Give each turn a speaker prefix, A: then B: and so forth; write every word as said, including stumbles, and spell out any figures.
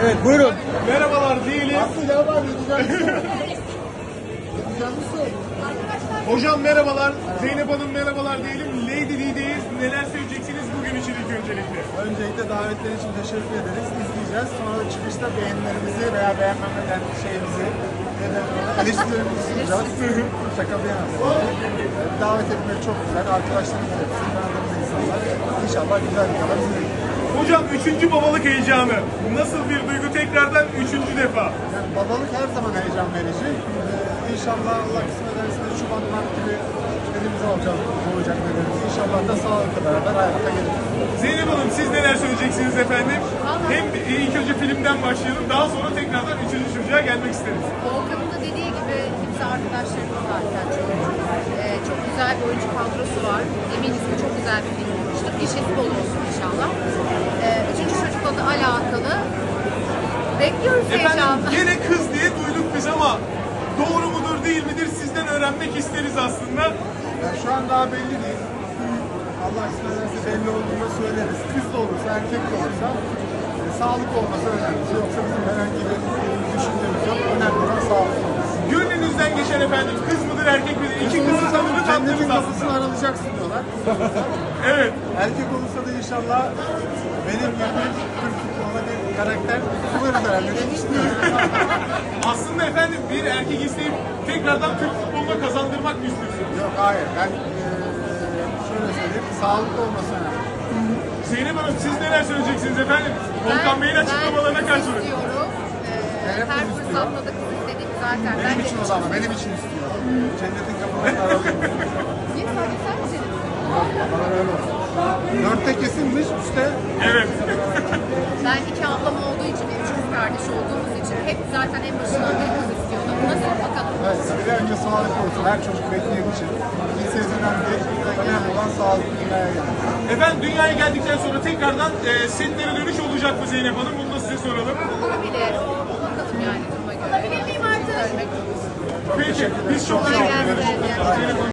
A: Evet, buyurun.
B: Merhabalar diyelim. Hocam merhabalar. Zeynep Hanım merhabalar diyelim. Lady D'deyiz. Neler söyleyeceksiniz bugün için ilk öncelikle?
C: Öncelikle davetler için teşekkür ederiz. İzleyeceğiz. Sonra da çıkışta beğenilerimizi veya beğenmemeden şeyimizi ya da eleştirilerimizi sunacağız. Şaka bir yana. Davet etmek çok güzel. Arkadaşlarımız hepsi, tanıdığımız insanlar. İnşallah güzel bir kadar izleyelim.
B: Hocam üçüncü babalık heyecanı. Nasıl bir duygu tekrardan üçüncü defa?
C: Yani babalık her zaman heyecan verici. Ee, İnşallah Allah kısmet ederse de Şubat Mart gibi elimize olacak, olacak bebeğimiz. İnşallah da sağlıkla beraber hayata geliriz.
B: Zeynep Hanım siz neler söyleyeceksiniz efendim? Hem ilk önce filmden başlayalım. Daha sonra tekrardan üçüncü çocuğa gelmek isteriz.
D: Volkan'ın da dediği gibi hepsi arkadaşlarımız zaten çok. Ee, çok güzel bir oyuncu kadrosu var. Eminiz ki çok güzel bir film olmuştur. Gişesi bol olsun inşallah. Ee, üçüncü çocukla da alakalı bekliyoruz
B: Efendim
D: heyecanla.
B: gene kız diye duyduk biz ama doğru mudur değil midir sizden öğrenmek isteriz aslında.
C: Yani şu an daha belli değil. Allah kısmet ederse belli olduğunda söyleriz. Kız da olursa, erkek de olursa e, sağlık olması önemli. Yoksa bizim herhangi bir düşüncemiz yok. Önemli olan sağlık olması.
B: Gönlünüzden geçen efendim kız mıdır erkek midir? İki kızı tadını
C: Cennetin
B: tattınız
C: kapısını
B: aslında.
C: aralayacaksın diyorlar.
B: Evet.
C: Erkek olursa da inşallah benim gibi Türk futboluna bir karakter buluruz herhalde diye düşünüyorum.
B: Aslında efendim bir erkek isteyip tekrardan Türk futboluna kazandırmak mı istiyorsunuz?
C: Yok hayır ben eee, şöyle söyleyeyim sağlıklı olması önemli.
B: Zeynep Hanım siz neler söyleyeceksiniz efendim? Volkan Bey'in açıklamalarına
D: ben
B: karşı.
D: kız istiyorum. Ee,
C: Hep
D: her
C: kız istiyor.
D: fırsatta da kız istedik zaten.
C: Benim
D: Bence
C: için o zaman benim için istiyor. Cennetin kapılarını aralayayım.
D: Niye sadece sen mi dedin?
C: Bana öyle olsun. Dörtte kesinmiş, üçte
B: Evet.
D: Ben iki ablam olduğu için, üç kız kardeş olduğumuz için hep zaten en başından beri kız istiyordum. Nasıl bakalım?
C: evet, bir önce sağlıklı olsun. Her çocuk bekleyen için. İlk sezondan beri önemli olan sağlıklı dünyaya gelmek.
B: Efendim dünyaya geldikten sonra tekrardan e, setlere dönüş olacak mı Zeynep Hanım? Bunu da size soralım.
D: Olabilir. Bakalım yani duruma göre. Olabilir miyim artık?
B: Peki biz çok
D: Kolay
B: teşekkür ederiz.
D: gelsin.
B: Zeynep Hanım.